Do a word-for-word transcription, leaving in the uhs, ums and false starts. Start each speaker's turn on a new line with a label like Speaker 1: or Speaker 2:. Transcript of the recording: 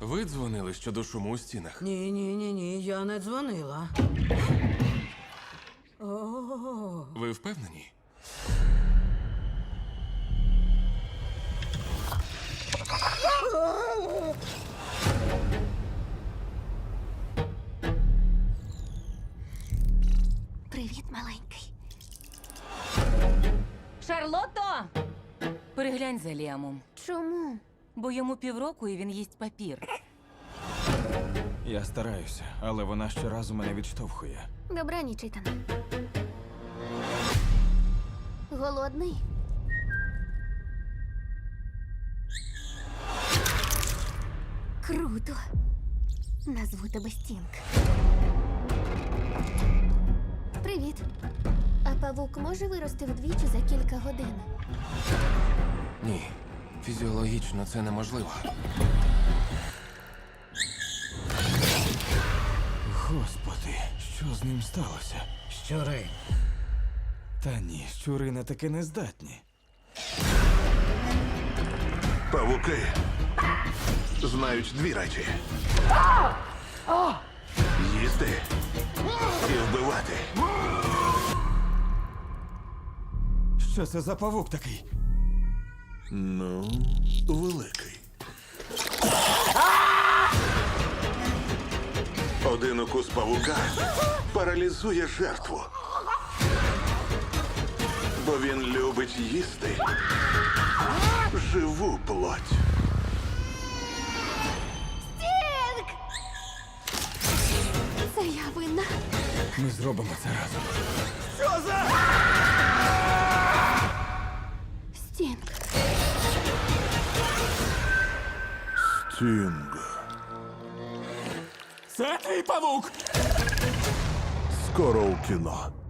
Speaker 1: Ви дзвонили щодо шуму у стінах?
Speaker 2: Ні, ні, ні, ні, я не дзвонила. О,
Speaker 1: Ви впевнені?
Speaker 3: Привіт, маленький.
Speaker 4: Шарлотто! Переглянь за Ліамом,
Speaker 3: Чому?
Speaker 4: бо йому півроку і він їсть папір.
Speaker 5: Я стараюся, але вона щоразу мене відштовхує.
Speaker 3: Добраніч, Ітане. Голодний? Круто. Назву тебе Стінг. Привіт. А павук може вирости вдвічі за кілька годин?
Speaker 1: Ні. Фізіологічно це неможливо.
Speaker 5: Господи, що з ним сталося?
Speaker 2: щури.
Speaker 5: Та ні, щури на таке не здатні.
Speaker 6: Павуки знають дві речі: їсти і вбивати.
Speaker 5: Що це за павук такий?
Speaker 6: Ну, великий. Один укус павука паралізує жертву. Бо він любить їсти живу плоть.
Speaker 3: Стінг! Це я винна.
Speaker 5: Ми зробимо це разом.
Speaker 3: Стінг.
Speaker 6: Стінг.
Speaker 5: Це твій павук!
Speaker 6: Скоро у кіно.